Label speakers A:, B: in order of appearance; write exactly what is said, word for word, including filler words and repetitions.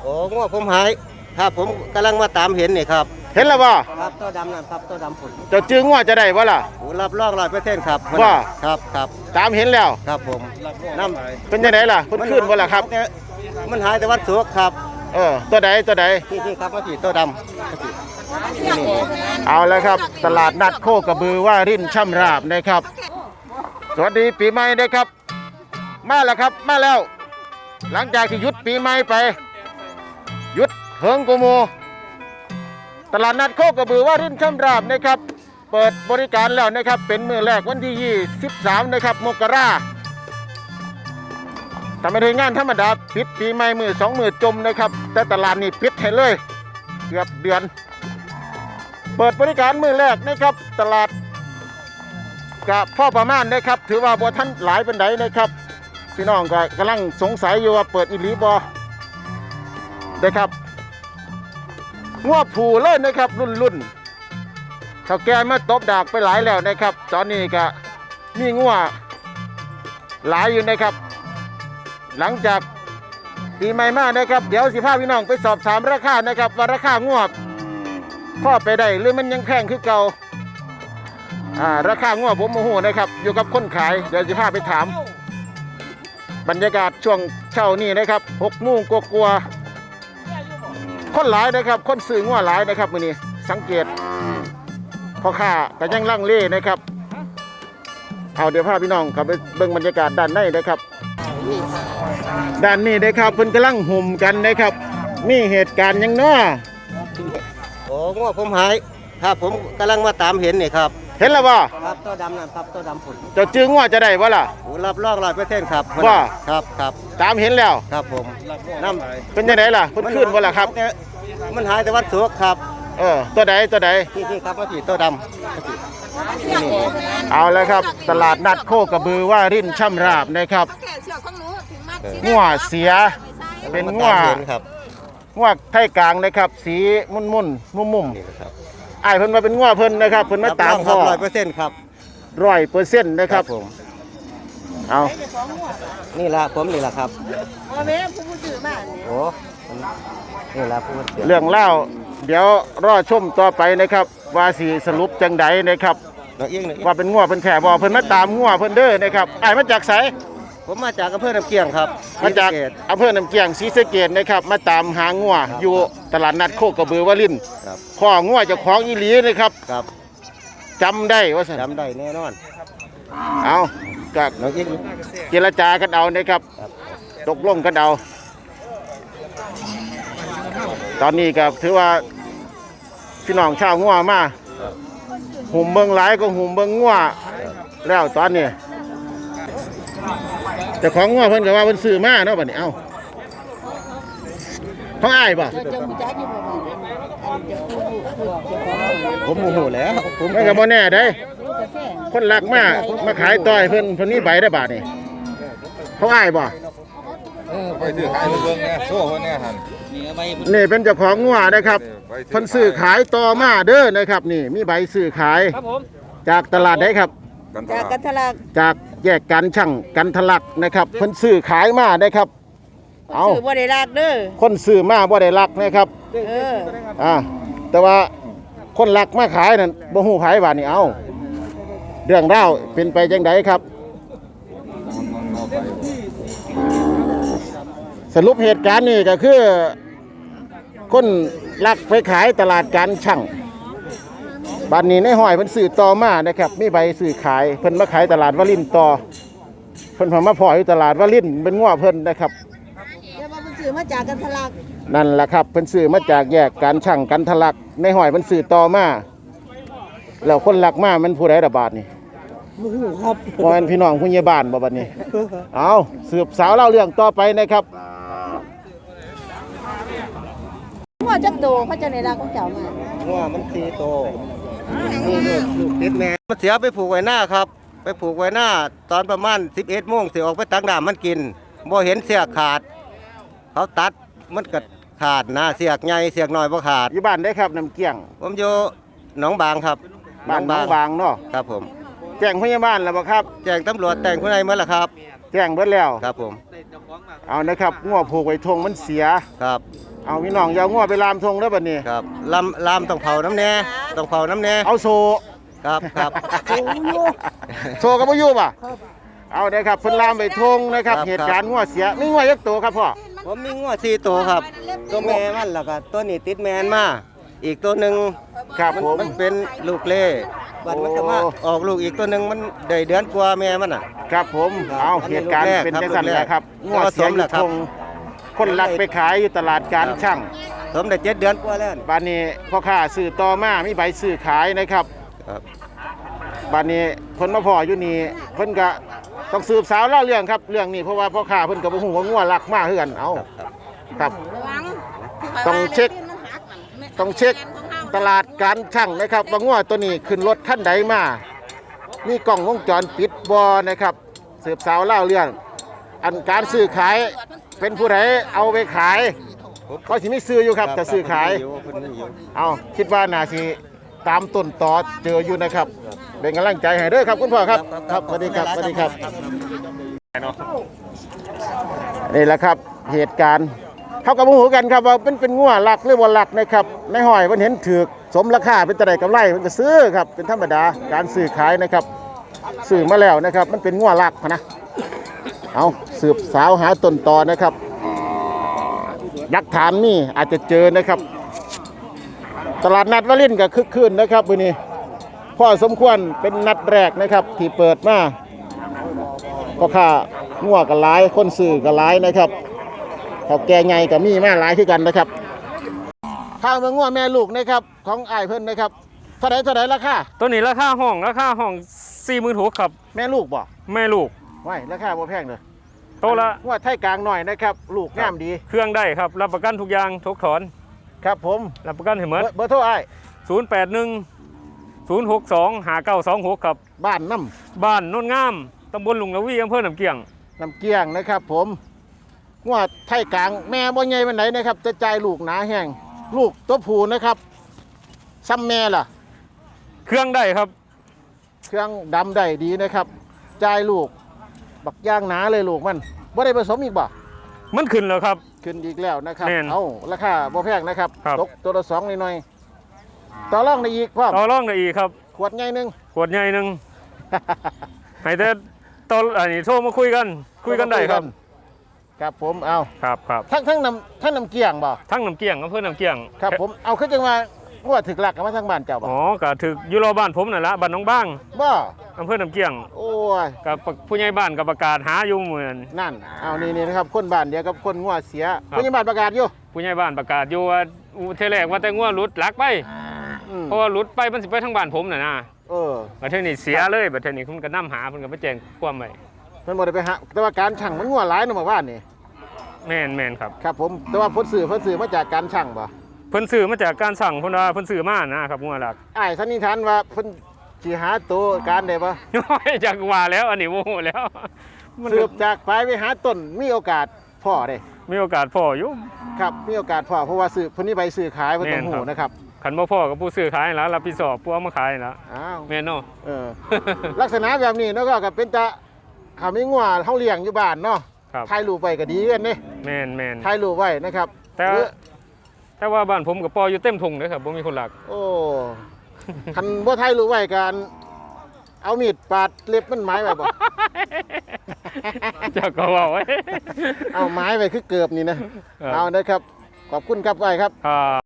A: โอ้ง้อผมหายครับผมกำลังมาตามเห็นนี่ครับ
B: เห็นแล้วบ่
A: ครับตัวดำนั่นครับตัวดำผุน
B: เจ้าจื้องัวจะได้บ่ล่ะ
A: โอ้รับรองร้อยเปอร์เซ็นต์ครับ
B: ว่า
A: ครับครับ
B: ตามเห็นแล้ว
A: ครับผมน้ำ
B: เป็นยังไงล่ะเพิ่นขึ้นบ่ล่ะครับ
A: มันหายแต่วัดสุกครับ
B: เออตัวใดตัวใด
A: ที่ที่ครับมาผีตัวดำ
B: เอาแล้วครับตลาดนัดโคกระบือว่ารินช่ำราบนะครับสวัสดีปีใหม่นะครับมาแล้วครับมาแล้วหลังจากที่หยุดปีใหม่ไปหยุดเฮิงกูโมตลาดนัดโคกระบือว่ารินช่ำราบนะครับเปิดบริการแล้วนะครับเป็นมื้อแรกวันที่ยี่สิบสามนะครับมกราแต่ไม่ได้งานธรรมดาปิดปีใหม่มือสองมือจมนะครับแต่ตลาดนี่ปิดให้เลยเกือบเดือนเปิดบริการมือแรกนะครับตลาดกับพ่อประมาณนะครับถือว่าบ่ท่านหลายเป็นไดนะครับพี่น้องก็กำลังสงสัยอยู่ว่าเปิดอีหลีบ่นะครับงัวผูเลยนะครับรุ่นรุ่นเขาแก่มาตบดากไปหลายแล้วนะครับตอนนี้ก็มีงัวหลายอยู่นะครับหลังจากปีใหม่มานะครับเดี๋ยวสิพาพี่น้องไปสอบถามราคานะครับว่าราคางัวพ่อไปได้หรือมันยังแพงคือเก่าอ่าราคางัวผมโมโหนะครับอยู่กับคนขายเดี๋ยวสิพาไปถามบรรยากาศช่วงเช้านี้นะครับหกโมงกลัวๆคนหลายนะครับคนซื้องัวหลายนะครับมื้อนี้สังเกตพ่อค้าก็ยังลังเลนะครับเอาเดี๋ยวพาพี่น้องเข้าไปเบิ่งบรรยากาศด้านในนะครับด้านนี้นะครับเพิ่นกำลังห่มกันนะครับมีเหตุการณ์ยังน้อ
A: โอ้ง้อผมหายครับผมกำลังมาตามเห็นนี่ครับ
B: เห็นแล้วบ่
A: ครับตัวดำนั่นครับตัวดำผุน
B: เจ้าจื้องัวจะได้บ่ล่ะ
A: โอ้รับรองร้อยเปอร์เซ็นต์ครับ
B: ว่า
A: ครับครับ
B: ตามเห็นแล้ว
A: ครับผมน้ำ
B: เป็นยังไงล่ะเพิ่นขึ้นบ่ล่ะครับ
A: มันหายแต่วัดสุกครับ
B: เออตัวใดตัวใด
A: ที่ที่ครับมาผีตัวดำ
B: เอาแล้วครับตลาดนัดโคกระบือว่ารินช่ำราบนะครับงัวเสียเป็นงัวงัวไทยกลางนะครับสีมุ่นมุ่นมุ่มมุ่มไอ้เพิ่นมาเป็นงัวเพิ่นนะครับเพิ่นมาตามพ่อ
A: ร้อยเปอร์เซ็นต์ครับ
B: ร้อยเปอร์เซ็นต์นะครับ
A: ผม
B: เอา
A: นี่ละผมนี่ละครับ
C: โอ้แม่ผู้ซื้อมา
A: โอ้นี่ละผู้
B: เรื่องเล่าเดี๋ยวรอชมต่อไปนะครับว่าสีสรุปจังใดนะครับว่าเป็นงัวเป็นแข่บ่เพิ่นมาตามงัวเพิ่นเด้อนะครับไอ้มาจากไส
A: ผมมาจากอำเภอน้ำเกียงครับ
B: มาจากอำเภอน้ำเกียงศรีสะเกษนะครับมาตามหางัวอยู่ตลาดนัดโคกระบือวลินข้องัวเจ้าของอีหลีนะครับ
A: ครับ
B: จำได้ว่า
A: จำได้แน่นอน
B: เอาจากเจรจากันเอานะครับตกลงกันเอาตอนนี้ก็ถือว่าพี่น้องชาวงัวมาหุ่มเบิงหลายก็หุ่มเบิงงัวแล้วตอนนี้แต่ของงัวเพิ่นก็ว่าเพิ่นซื้อมาเนาะบัดนี้เอ้าเขาอ้ายบ่
A: ผมโมโหแล้ว
B: ผมก็บ่แน่เด้คนรักมามาขายต่อยเพิ่นเพิ่นมีใบได้บาทนี่เขาอ้ายบ่
D: เออไปซื้อขายเบิ่งแน่โซ่เพิ่นแน่หั่น
B: นี่เป็นเจ้าของงัวนะครับเพิ่นซื้อขายต่อมาเด้อนะครับนี่มีใบซื้อขายจากตลาดไหนครับ
C: จากกันทะลัก
B: จากแยกการช่างกันทะลักนะครับเพิ่นซื้อขายมาได้ครับ
C: เอาซื้อบ่ได้รักเด้อ
B: คนซื้อมาบ่ได้รักนะครับ
C: เออ
B: อ่าแต่ว่าคนรักมาขายนั่นบ่ฮู้ไผว่านี่เอาเรื่องราวเป็นไปจังไดครับสรุปเหตุการณ์นี่ก็คือคนลักไปขายตลาดการช่างบ้านนี้ในห้อยเพิ่นซื้อต่อมานะครับมีใบซื้อขายเพิ่นมาขายตลาดวลินต่อเพิ่นพามาพ่ออยู่ตลาดวลินเป็นงัวเพิ่นนะครับ
C: แล้วว่าเพิ่นซื้อมาจากกันทะลัก
B: นั่นแหละครับเพิ่นซื้อมาจากแยกการช่างกันทะลักในห้อยเพิ่นซื้อต่อมาแล้วคนลักมามันผู้ใดระบาดนี่
C: บ่ฮู้ครับ
B: บ่แม่นพี่น้องผู้ใหญ่บ้านบ่บัดนี้เอาสืบสาวเล่าเรื่องต่อไปนะครับ
C: งัวจักโตเขาจะได้รักของเจ้ามา
A: งัวมันสี่โตนี่ลูกลูกติดแม่มันเสียไปผูกไว้หน้าครับไปผูกไว้หน้าตอนประมาณสิบเอ็ดโมงสิออกไปตักน้ำมันกินบ่เห็นเสียขาดเขาตัดมันก็ขาดนะเสียกใหญ่เสียกน้อยบ่ขาด
B: อยู่บ้านได้ครับน้ำเกี้ยง
A: ผมอยู่หนองบางครับ
B: บ้านหนองบางเนาะ
A: ครับผม
B: แจ้งพยาบาลแล้วบ่ครับ
A: แจ้งตำรวจแต่งผู้ใดมาแล้วครับ
B: แจ้งเบิดแล้ว
A: ครับผม
B: เอานะครับงัวผูกไว้ทงมันเสีย
A: ครับ
B: เอาพี่น้องอยาวงัวไปลามทงแล้วบัดนี้
A: ครับลำลำต้องเผาน้ำแน่ต้องเผาน้ำแน่
B: เอาโซ
A: ครับครับ
B: โซกับบ่อยู่ป่ะเอาเด้อครับเพิ่นลามไปทงนะครับ
A: ครับ
B: เหตุการณ์งัวเสียมีงัวยักษ์โตครับพ่อ
A: ผมมีงัวสี่ตัวครับ ตัวแม่มันแล้วก็ตัวนี้ติดแมนมาอีกตัวหนึ่ง
B: ครับ
A: มัน
B: ผม
A: มันเป็นลูกเล่บัดมันก็มา
B: โอ้
A: ออกลูกอีกตัวหนึ่งมันได้เดือนกว่าแม่มันอ่ะ
B: ครับผม
A: ครับ
B: เอา
A: อันนี้
B: เหตุการณ์
A: ลูกแรก
B: เป็น
A: ครับ
B: จังซั่น
A: ลูก
B: แห
A: แรก
B: ละครับงัวเสียอยู่ทงคนลักไปขายอยู่ตลาดการช่าง
A: ผมได้เจ็ดเดือนกว่าแล้ว
B: บ้านนี้พ่อค้าซื้อต่อมามีใบซื้อขายนะครับ
A: ครับ
B: บ้านนี้คนมาพ่ออยู่นี่เพิ่นก็ต้องสืบสาวเล่าเรื่องครับเรื่องนี้เพราะว่าพ่อค้าเพิ่นก็บ่ฮู้ว่างัวลักมากคือกันเอา
A: ครับ
B: ครับ ต้องเช็ค ต้องเช็คตลาดการช่างนะครับว่างัวตัวนี้ขึ้นรถคันใดมา มีกล้องวงจรปิดบ่นะครับสืบสาวเล่าเรื่อง อันการซื้อขายเป็นผู้ใดเอาไปขายเขาสิมีซื้ออยู่ครับแต่ซื้อขาย เอาคิดว่าน่าสิตามต้นตอเจออยู่นะครับเป็นกำลังใจให้เด้อครับคุณพ่อครับครับสวัสดีครับสวัสดีครับนี่แหละครับเหตุการณ์เขากับหูกันครับว่าเป็นเป็นงัวหลักหรือว่าหลักนะครับในห้อยมันเห็นถือสมราคาเป็นตะไดกำไรมันก็ซื้อครับเป็นธรรมดาการซื้อขายนะครับซื้อมาแล้วนะครับมันเป็นงัวหลักนะเอาสืบสาวหาต้นตอนะครับหลักฐานนี่อาจจะเจอนะครับตลาดนัดวารินก็คึกคืนนะครับวันนี้พ่อสมควรเป็นนัดแรกนะครับที่เปิดมาก็ค่างัวกันหลายคนซื้อกันหลายนะครับเขาแก่ไงกับมีมาหลายที่กันนะครับข้าวเมืองงัวแม่ลูกนะครับของอ้ายเพิ่นนะครับเท่าไหร่เท่าไหร่ราคา
E: ตัวนี้ราคาห้องราคาห้องสี่หมื่นหกครับ
B: แม่ลูกบ่
E: แม่ลูก
B: ไว้ราคาบ่แพงเลย
E: โตวละ
B: งัวไทยกลางหน่อยนะครับลูกงามดี
E: เครื่องได้ครับ รับประกันทุกอย่างทุกถอน
B: ครับผม
E: รับประกันให้หม
B: เบ
E: ด
B: อร์เบอร์โทรอ้าย
E: ศูนย์แปดหนึ่งศูนย์หกสองหาเก้าสองหกครับ
B: บ้านน้
E: บ้านโนนงามตำบลลุงละวีอำเภอหนำเกียง
B: ำน้ำเกี้ยงนะครับผมงัวไทยกลางแม่บ่ใหญ่ปานไหนนะครับจะจ่ายลูกหนาแห้งลูกตัวผู้นะครับซ้ำแม่ล่ะ
E: เครื่องได้ครับ
B: เครื่องดำได้ดีนะครับจ่ายลูกบักย่างหนาเลยลูกมันบ่ได้ผสมอีกบ่
E: มันขึ้นแล้วครับ
B: ขึ้นอีกแล้วนะครับ
E: แม่น
B: เอาราคาบ่แพงนะครับ
E: ครับ
B: ตกตัวละสองหน่อยๆต่อรองได้อีกพ่อ
E: ต่อรองได้อีกครับ
B: ขวดใหญ่หนึง
E: ขวดใหญ่หนึ่งให้แต่ตอนอันนี้โทรมาคุยกัน คุยกันได้ครับ
B: ครับผมเอา
E: ครับครับ
B: ทั้งทั้งน้ำทั้งน้ำเกียงบ่
E: ทั้งหนำเกียงอำเภอหนำเกียง
B: ครับผมเอาขึ้นจังว่าว่าถึกหลักกันมาทางบ้านเจ้าบ่
E: อ๋อก็ถึกอยู่รอบ้านผมนั่นละบ้านน้องบ้าง
B: บ่
E: อำเภอหนำเกียง
B: โอ้ย
E: กับผู้ใหญ่บ้านกับประกาศหาอยู่เหมือน
B: นั่นเอานี่นี่นะครับคนบ้านเดียวกับคนงัวเสีย
E: ครับ
B: พยาบาลประกาศอยู่
E: ผู้ใหญ่บ้านประกาศอยู่ว่าอูเทแรกว่าแต่งัวหลุดหลักไป
B: อืม
E: เพราะว่าหลุดไปมันสิไปทางบ้านผมน่ะนะ
B: เออ
E: บัดเทอนี้เสียเลยบัดเทอนี้คุณก็นำหาเพิ่นก็ไปแจ้งความไว้
B: เพิ่นบ่ได้ไปหาแต่ว่าการช่างมันงัวหลายเนาะหมู่บ้านนี่
E: แม่นแม่นครับ
B: ครับผมแต่ว่าเพิ่นซื้อเพิ่นซื้อมาจากการช่างบ่
E: เพิ่นซื้อมาจากการสั่งเพิ่นว่าเพิ่นซื้อมานะครับงัวหลัก
B: อ้ายสันนิษฐานว่าเพิ่นสิหาตัวการได้บ่
E: น้อยจากว่าแล้วอันนี้โมโหแล้วมัน
B: สืบจากปลายไปหาต้นมีโอกาสพ่อได้
E: มีโอกาสพออยู่
B: ครับมีโอกาสพ่อเพราะว่าซื้อเพิ่นนี่ใบซื้อขายเพิ่นต้อง
E: แม่นครั
B: ฮู้
E: บ
B: นะครับ
E: คันบ่พอกับผู้ซื้อขายแล้วรับผิดชอบผู้เอามาขายแล้ว
B: อ้าว
E: แม่นเนาะ
B: เออ ลักษณะแบบนี้เนาะก็ก็เป็นตะถ้ามีงัวเฮาเลี้ยงอยู่บ้านเนาะ
E: ครับ
B: ถ่ายรูปไว้ก็ดีกันนี่
E: แม่นแม่น
B: ถ่ายรูปไว้นะครับ
E: แต่
B: หรือ
E: แต่ว่าบ้านผมกับปออยู่เต็มทุ่งเด้อครับบ่มีคนหลัก
B: โอ้ คันบ่ถ่ายรูปไว้กันเอามีดปาดเล็บมันไม้ไว้บ่
E: เจ้าก็เว้าไว้
B: เอาไม้ไว้คือเกือบนี่นะ เอานะครับ ขอบคุณครับไว้ครับ
E: ครับ